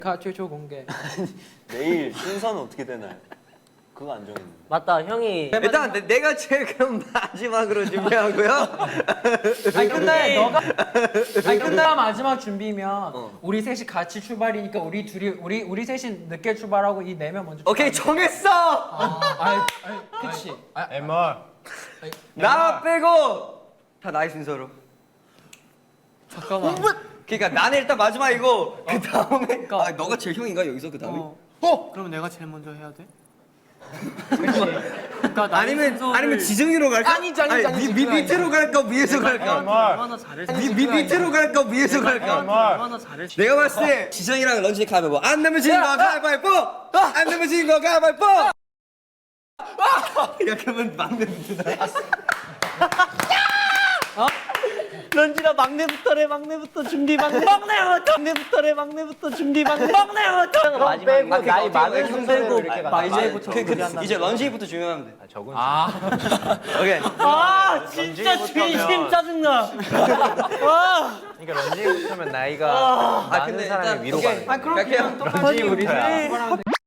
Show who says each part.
Speaker 1: 최초 공개.
Speaker 2: 내일 순서는 어떻게 되나요? 그거 안 정했는데.
Speaker 3: 맞다, 형이.
Speaker 4: 일단 내가 제일 그럼 마지막으로 준비하고요.
Speaker 1: 근데 마지막 준비면 우리 셋이 같이 출발이니까 우리 셋이 늦게 출발하고 이 네 명 먼저.
Speaker 4: 오케이 정했어.
Speaker 1: 그치.
Speaker 5: MR.
Speaker 4: 나 빼고 다 나의 순서로.
Speaker 1: 잠깐만.
Speaker 4: 그러니까 나는 일단 마지막이고 그 다음에 너가 제일 형인가 여기서 그 다음에?
Speaker 6: 그럼 내가 제일 먼저 해야 돼?
Speaker 4: 아니면 지정이로 갈까?
Speaker 1: 아니지.
Speaker 4: 밑으로 갈까 위에서 갈까?
Speaker 6: 얼마나 잘했지?
Speaker 4: 밑으로 갈까 위에서 갈까?
Speaker 6: 얼마나 잘했지?
Speaker 4: 내가 봤을 때 지정이랑 런쥔이 가위바위보. 안 내면 지는 거 가위바위보. 안 내면 지는 거 가위바위보. 야 그러면 막내부터.
Speaker 3: 런쥔아 막내부터 준비 막내부터래 막내부터 준비 막내부터 마지막 나이 많은 형 빼고
Speaker 4: 이제 런쥔이부터 준비하면 돼.
Speaker 5: 적은
Speaker 4: 오케이.
Speaker 3: 아 진짜 진심 짜증나.
Speaker 5: 그러니까 런쥔이부터면 나이가 많은
Speaker 4: 근데
Speaker 5: 사람이
Speaker 4: 일단
Speaker 5: 위로
Speaker 4: 오케이.
Speaker 5: 가는 거야.
Speaker 1: 그럼 그냥 똑같이 우리
Speaker 5: 런쥔이부터야.